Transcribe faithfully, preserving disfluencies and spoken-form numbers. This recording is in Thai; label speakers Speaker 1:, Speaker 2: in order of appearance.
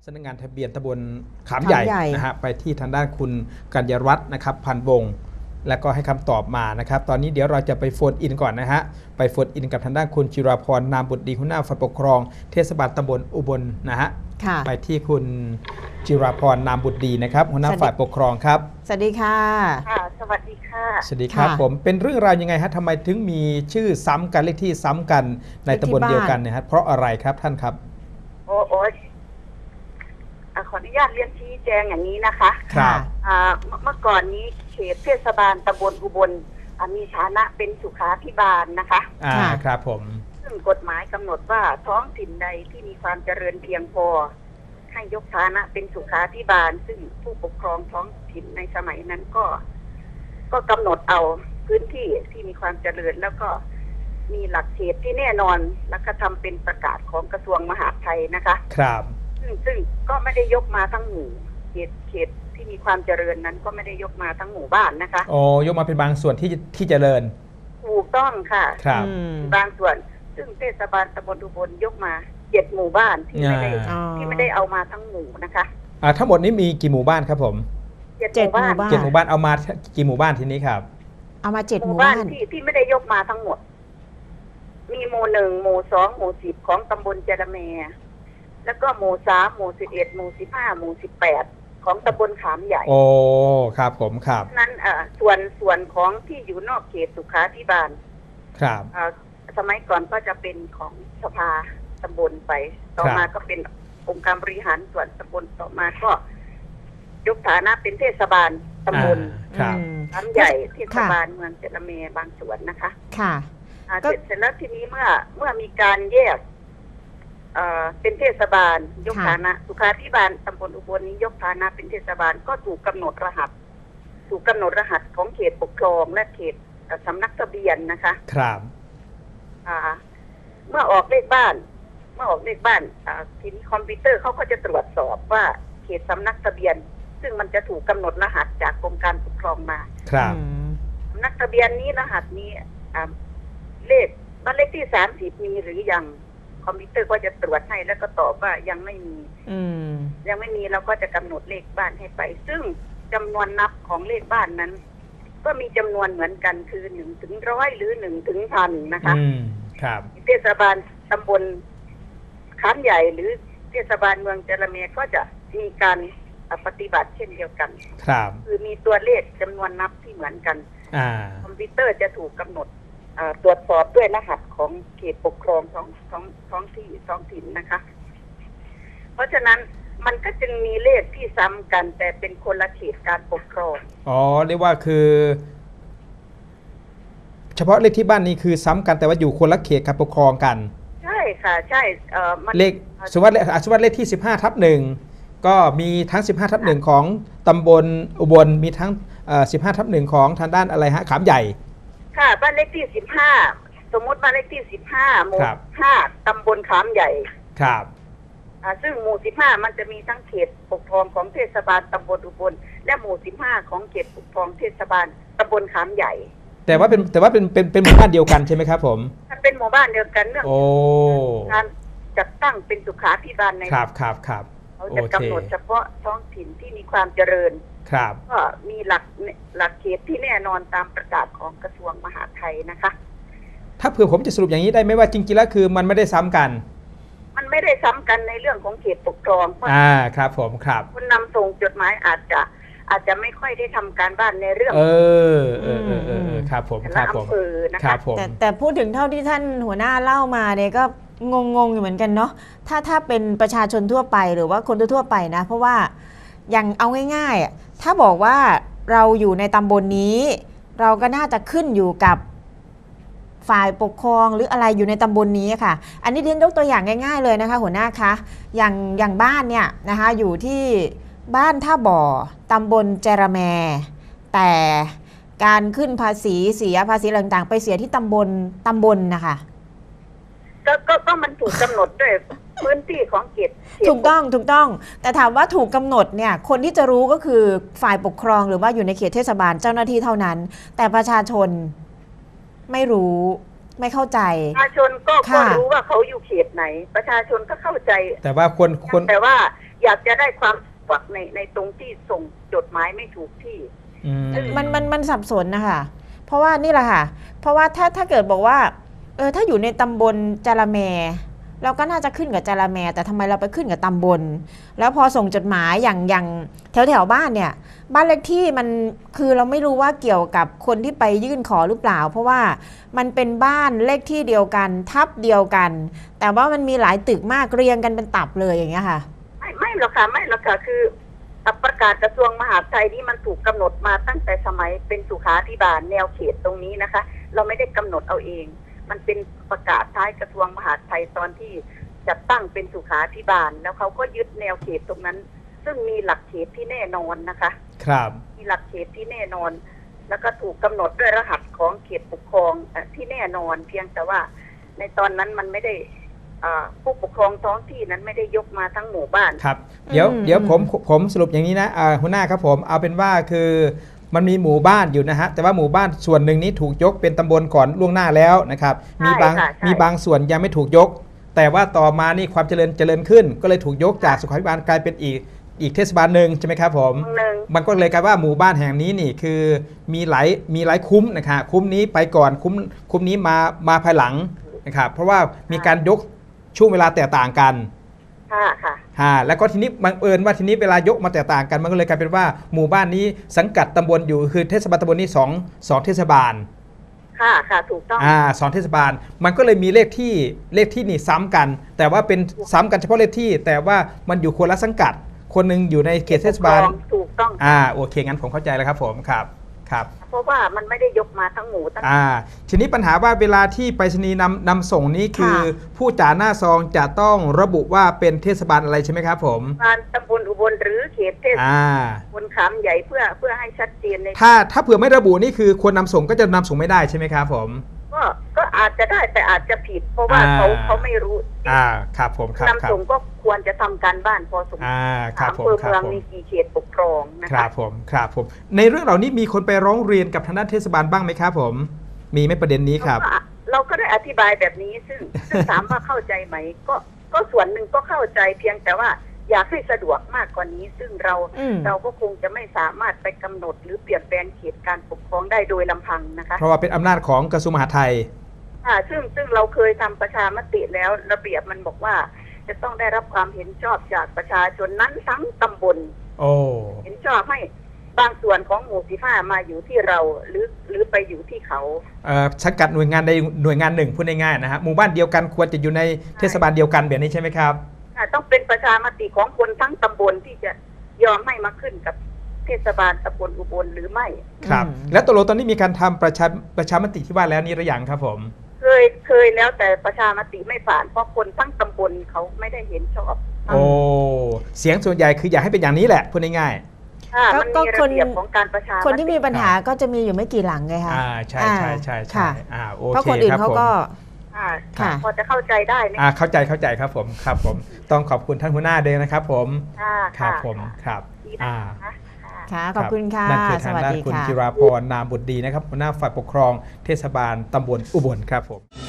Speaker 1: ำนักงานทะเบียนตำบลขามใหญ่นะฮะไปที่ทางด้านคุณกัญญรัตน์นะครับพันวงศ์แล้วก็ให้คำตอบมานะครับตอนนี้เดี๋ยวเราจะไปโฟนอินก่อนนะฮะไปโฟนอินกับทางด้านคุณจิราพรนามบุตรดีหัวหน้าฝ่ายปกครองเทศบาลตำบลอุบลนะฮะไปที่คุณจิราพรนามบุตรดีนะครับหัวหน้าฝ่ายปกครองครับ
Speaker 2: สวัสดีค่ะ
Speaker 3: ค่ะสวัสดีค่ะ
Speaker 1: สวัสดีครับผมเป็นเรื่องราวยังไงฮะทำไมถึงมีชื่อซ้ำกันเลขที่ซ้ำกันในตำบลเดียวกันเนี่ยฮะเพราะอะไรครับท่านครับ
Speaker 3: โอ้โอ้ขออนุญาตเรียนชี้แจงอย่างนี้นะคะ
Speaker 1: ครับ
Speaker 3: เมื่อก่อนนี้เขตเทศบาลตำบลอุบลมีฐานะเป็นสุขาภิบาลนะคะ
Speaker 1: อ่าครับผม
Speaker 3: ซึ่งกฎหมายกำหนดว่าท้องถิ่นใดที่มีความเจริญเพียงพอให้ยกฐานะเป็นสุขาภิบาลซึ่งผู้ปกครองท้องถิ่นในสมัยนั้นก็ ก็กำหนดเอาพื้นที่ที่มีความเจริญแล้วก็มีหลักเขตที่แน่นอนแล้วก็ทำเป็นประกาศของกระทรวงมหาดไทยนะคะ
Speaker 1: ครับ
Speaker 3: ซึ่งซึ่งก็ไม่ได้ยกมาทั้งหมู่เขตเขตที่มีความเจริญนั้นก็ไม่ได้ยกมาทั้งหมู่บ้านนะคะ
Speaker 1: โอ้ยกมาเป็นบางส่วนที่ที่เจริญ
Speaker 3: ถูกต้องค่ะ
Speaker 1: ครับ
Speaker 3: บางส่วนซึ่งเทศบาลตำบลอุบลยกมาเจ็ดหมู่บ้านที่ไม่ได้ที่ไม่ได้เอามาทั้งหมู่นะคะ
Speaker 1: อ่าทั้งหมดนี้มีกี่หมู่บ้านครับผม
Speaker 3: เจ็ดหมู่บ้าน
Speaker 1: เจ็ดหมู่บ้านเอามากี่หมู่บ้านทีนี้ครับ
Speaker 2: เอามาเจ็ดหมู่
Speaker 3: บ้านที่ที่ไม่ได้ยกมาทั้งหมดมีหมู่หนึ่งหมู่สองหมู่สิบของตำบลเจรแมแล้วก็หมู่สามหมู่สิบเอ็ดหมู่สิบห้าหมู่สิบแปดของตำบลขามใหญ่
Speaker 1: โอ้ครับผมครับ
Speaker 3: นั้นเอ่อส่วนส่วนของที่อยู่นอกเขตสุขาภิบาล
Speaker 1: ครับ
Speaker 3: เอ่อสมัยก่อนก็จะเป็นของสภาตำบลไปต่อมาก็เป็นองค์การบริหารส่วนตำบลต่อมาก็ยกฐานะเป็นเทศบาลตำบล
Speaker 1: ข
Speaker 3: ามใหญ่เทศบาลเมืองเจรแมบางส่วนนะคะ
Speaker 2: ค่ะ
Speaker 3: เสร็จเสร็จแล้วทีนี้เมื่อเมื่อมีการแยกเอ่อเป็นเทศบาลยกฐานะสุขาภิบาลตำบลอุบลนี้ยกฐานะเป็นเทศบาลก็ถูกกำหนดรหัสถูกกำหนดรหัสของเขตปกครองและเขตสำนักทะเบียนนะคะ
Speaker 1: ครับ
Speaker 3: อ่าเมื่อออกเลขบ้านเมื่อออกเลขบ้านอ่าทีนี้คอมพิวเตอร์เขาก็จะตรวจสอบว่าเขตสำนักทะเบียนซึ่งมันจะถูกกำหนดรหัสจากกรมการปกครองมา
Speaker 1: ครับ
Speaker 3: สำนักทะเบียนนี้รหัสนี้อ่าเลขบ้านเลขที่สามสิบมีหรือยังคอมพิวเตอร์ก็จะตรวจให้แล้วก็ตอบว่ายังไม่มียังไม่มีเราก็จะกำหนดเลขบ้านให้ไปซึ่งจำนวนนับของเลขบ้านนั้น ก็มีจำนวนเหมือนกันคือหนึ่งถึงร้อยหรือหนึ่งถึงพันนะคะ
Speaker 1: ครับ
Speaker 3: เทศบาลตำบลขามใหญ่หรือเทศบาลเมืองเจรแมก็จะมีการปฏิบัติเช่นเดียวกัน
Speaker 1: ครับ
Speaker 3: คือมีตัวเลขจำนวนนับที่เหมือนกันคอมพิวเตอร์จะถูกกำหนดตรวจสอบด้วยรหัสของเขตปกครองท้องท้องท้องที่ท้องถิ่นนะคะเพราะฉะนั้นมันก็จึงมีเลขที่ซ้ำกันแต่เป็นคนละเขตการปกครอง
Speaker 1: อ๋อเรียกว่าคือเฉพาะเลขที่บ้านนี้คือซ้ำกันแต่ว่าอยู่คนละเขตการปกครองกัน
Speaker 3: ใช่ค่ะใช่เอ่อ
Speaker 1: เลขสมมติว่าสมมติว่าเลขที่สิบห้าทับหนึ่งก็มีทั้งสิบห้าทับหนึ่งของตำบลอุบลมีทั้งสิบห้าทับหนึ่งของทางด้านอะไรฮะขามใหญ่
Speaker 3: ค่ะบ้านเลขที่สิบห้าสมมติบ้านเลขที่สิบห้าหมู่ห้าตำบลขามใหญ่
Speaker 1: ครับ
Speaker 3: อ่าซึ่งหมู่สิบห้ามันจะมีทั้งเขตปกครองของเทศบาลตำบลอุบลและหมู่สิบห้าของเขตปกครองเทศบาลตำบลขามใหญ่
Speaker 1: แต่ว่าเป็นแต่ว่าเป็นเป็นเป็นหมู่บ้านเดียวกันใช่ไหมครับผม
Speaker 3: เป็นหมู่บ้านเดียวกันเรื่องการจัดตั้งเป็นสุขาภิบาลใน
Speaker 1: ครับครับครับ
Speaker 3: เขาจะกำหนดเฉพาะท้องถิ่นที่มีความเจริญ
Speaker 1: ครับ
Speaker 3: ก็มีหลักหลักเขตที่แน่นอนตามประกาศของกระทรวงมหาดไทยนะคะ
Speaker 1: ถ้าเผื่อผมจะสรุปอย่างนี้ได้ไหมว่าจริงๆแล้วคือมันไม่ได้ซ้ำกัน
Speaker 3: มันไม่ได้ซ้ำกันในเรื่องของเขตปกครอง
Speaker 1: อ่าครับผมครับ
Speaker 3: คนนำส่งจดหมายอาจจะอาจจะไม่ค่อยได้ทำการบ้านในเรื่อง
Speaker 1: เออเออเออเออครับผมครับผม
Speaker 3: นะคะ
Speaker 2: แต่แต่พูดถึงเท่าที่ท่านหัวหน้าเล่ามาเนี่ยก็งงๆอยู่เหมือนกันเนาะถ้าถ้าเป็นประชาชนทั่วไปหรือว่าคนทั่วไปนะเพราะว่าอย่างเอาง่ายๆถ้าบอกว่าเราอยู่ในตำบลนี้เราก็น่าจะขึ้นอยู่กับฝ่ายปกครองหรืออะไรอยู่ในตำบลนี้ค่ะอันนี้เรียนยกตัวอย่างง่ายๆเลยนะคะหัวหน้าคะอย่างอย่างบ้านเนี่ยนะคะอยู่ที่บ้านท่าบ่อตำบลเจรแมแต่การขึ้นภาษีเสียภาษีต่างๆไปเสียที่ตำบลตำบลนะคะ
Speaker 3: ก็ก็ก็มันถูกกำหนดด้วยพื้นที่ของเขต
Speaker 2: ถูกต้องถูกต้องแต่ถามว่าถูกกำหนดเนี่ยคนที่จะรู้ก็คือฝ่ายปกครองหรือว่าอยู่ในเขตเทศบาลเจ้าหน้าที่เท่านั้นแต่ประชาชนไม่รู้ไม่เข้าใจ
Speaker 3: ประชาชนก็ก็รู้ว่าเขาอยู่เขตไหนประชาชนก็เข้าใจ
Speaker 1: แต่ว่าคนคน
Speaker 3: แต่ว่าอยากจะได้ความสะดวกในในตรงที่ส่งจดหมายไม่ถูกที่
Speaker 1: อืม
Speaker 2: มันมันมันสับสนนะคะเพราะว่านี่แหละค่ะเพราะว่าถ้าถ้าเกิดบอกว่าเออถ้าอยู่ในตำบลจาระแมเราก็น่าจะขึ้นกับจาระแมแต่ทำไมเราไปขึ้นกับตำบลแล้วพอส่งจดหมายอย่างอย่างแถวแถวบ้านเนี่ยบ้านเลขที่มันคือเราไม่รู้ว่าเกี่ยวกับคนที่ไปยื่นขอหรือเปล่าเพราะว่ามันเป็นบ้านเลขที่เดียวกันทับเดียวกัน แต่ว่ามันมีหลายตึกมากเรียงกันเป็นตับเลยอย่างเงี้ยค่ะ
Speaker 3: ไม่ไม่หรอกค่ะไม่หรอกค่ะคือประกาศกระทรวงมหาดไทยนี่มันถูกกำหนดมาตั้งแต่สมัยเป็นสุขาภิบาลแนวเขตตรงนี้นะคะเราไม่ได้กำหนดเอาเองมันเป็นประกาศท้ายกระทรวงมหาดไทยตอนที่จัดตั้งเป็นสุขาภิบาลแล้วเขาก็ยึดแนวเขตตรงนั้นซึ่งมีหลักเขตที่แน่นอนนะคะ
Speaker 1: ครับ
Speaker 3: มีหลักเขตที่แน่นอนแล้วก็ถูกกำหนดด้วยรหัสของเขตปกครองที่แน่นอนเพียงแต่ว่าในตอนนั้นมันไม่ได้ผู้ปกครองท้องที่นั้นไม่ได้ยกมาทั้งหมู่บ้าน
Speaker 1: ครับเดี๋ยวเดี๋ยวผมผมสรุปอย่างนี้นะหัวหน้าครับผมเอาเป็นว่าคือมันมีหมู่บ้านอยู่นะฮะแต่ว่าหมู่บ้านส่วนหนึ่งนี้ถูกยกเป็นตำบลก่อนล่วงหน้าแล้วนะครับมีบางมีบางส่วนยังไม่ถูกยกแต่ว่าต่อมานี่ความเจริญเจริญขึ้นก็เลยถูกยกจากสุขาภิบาลกลายเป็นอีกอีกเทศบาลหนึ่งใช่ไหมครับผมมันก็เลยกลายว่าหมู่บ้านแห่งนี้นี่คือมีหลายมีหลายคุ้มนะครับคุ้มนี้ไปก่อนคุ้มคุ้มนี้มามาภายหลังนะครับเพราะว่ามีการยกช่วงเวลาแตกต่างกัน
Speaker 3: ค่ะค่ะ
Speaker 1: ฮะแล้วก็ทีนี้บังเอิญว่าทีนี้เวลายกมาแตกต่างกันมันก็เลยกลายเป็นว่าหมู่บ้านนี้สังกัดตำบลอยู่คือเทศบาลตำบลนี้สองสองเทศบาล
Speaker 3: ค่ะค่ะถูกต้อง
Speaker 1: อ่าสองเทศบาลมันก็เลยมีเลขที่เลขที่นี่ซ้ำกันแต่ว่าเป็นซ้ำกันเฉพาะเลขที่แต่ว่ามันอยู่คนละสังกัดคนนึงอยู่ในเขตเทศบาล
Speaker 3: ถูกต้อง
Speaker 1: อ่าโอเคงั้นผมเข้าใจแล้วครับผมครับครับ
Speaker 3: เพราะว่ามันไม่ได้ยกมาทั้งหมู่ทั้ง
Speaker 1: อ่าทีนี้ปัญหาว่าเวลาที่ไปรษณีย์นำนำส่งนี้คือผู้จ่าหน้าซองจะต้องระบุว่าเป็นเทศบาลอะไรใช่ไหมครับผม
Speaker 3: การตำบลอุบลหรือเขตเทศบาลบนขามใหญ่เพื่อเพื่อให้ชัดเจนใน
Speaker 1: ถ้าถ้าเผื่อไม่ระบุนี่คือคนนำส่งก็จะนำส่งไม่ได้ใช่ไหมครับผม
Speaker 3: ก็ก็อาจจะได้แต่อาจจะผิดเพราะว่าเขาเขาไม่รู้
Speaker 1: อ่าครับผมครับ
Speaker 3: นำส่งก็ควรจะทำการบ้านพอสมควร
Speaker 1: อ่าครับผม
Speaker 3: เมืองมีกี่เขตปกครองนะคะ
Speaker 1: ครับผมครับผมในเรื่องเหล่านี้มีคนไปร้องเรียนกับทางด้านเทศบาลบ้างไหมครับผมมีไหมประเด็นนี้ครับ
Speaker 3: เราก็ได้อธิบายแบบนี้ซึ่งซึ่งถามว่าเข้าใจไหมก็ก็ส่วนหนึ่งก็เข้าใจเพียงแต่ว่าอยากให้สะดวกมากกว่านี้ซึ่งเราเราก็คงจะไม่สามารถไปกำหนดหรือเปลี่ยนแปลงเขตการปกครองได้โดยลำพังนะคะ
Speaker 1: เพราะว่าเป็นอำนาจของกระทรวงมหาดไทย
Speaker 3: ค่ะซึ่งซึ่งเราเคยทำประชามติแล้วระเบียบมันบอกว่าจะต้องได้รับความเห็นชอบจากประชาชนนั้นทั้งตำบล
Speaker 1: โอ้
Speaker 3: เห็นชอบให้บางส่วนของหมู่สิบห้ามาอยู่ที่เราหรือหรือไปอยู่ที่เขา
Speaker 1: เอ่อสังกัดหน่วยงานใดหน่วยงานหนึ่งพูดง่ายๆนะฮะหมู่บ้านเดียวกันควรจะอยู่ในเทศบาลเดียวกันแบบนี้ใช่ไหมครับ
Speaker 3: ต้องเป็นประชามติของคนทั้งตำบลที่จะยอมให้มาขึ้นกับเทศบาลตำบลอุบลหรือไม่
Speaker 1: ครับแล้วตกลงตอนนี้มีการทำประชาประชามติที่ว่าแล้วนี่หรือยังครับผม
Speaker 3: เคยเคยแล้วแต่ประชามติไม่ผ่านเพราะคนทั้งตำบลเขาไม่ได้เห็นชอบ
Speaker 1: โอ้เสียงส่วนใหญ่คืออยากให้เป็นอย่างนี้แหละพูดง่าย
Speaker 3: ๆมันมีระเบียบของการประชามติ
Speaker 2: คนที่มีปัญหาก็จะมีอยู่ไม่กี่หลังไงคะ
Speaker 1: อ่าใช่ใช่ใช่ใช่อ่าโอเค
Speaker 2: เพราะคนอื่นเขาก็
Speaker 3: ค่ะพอจะเข้าใจได้ไหม
Speaker 1: อ่าเข้าใจเข้าใจครับผมครับผมต้องขอบคุณท่านหัวหน้าด้วยนะครับผม
Speaker 3: ครับ
Speaker 1: ผมครับอ่า
Speaker 2: ค่ะขอบคุณค่ะ
Speaker 1: นั่นคือทางด้านคุณจิราพรนามบุตรดีนะครับหัวหน้าฝ่ายปกครองเทศบาลตำบลอุบลครับผม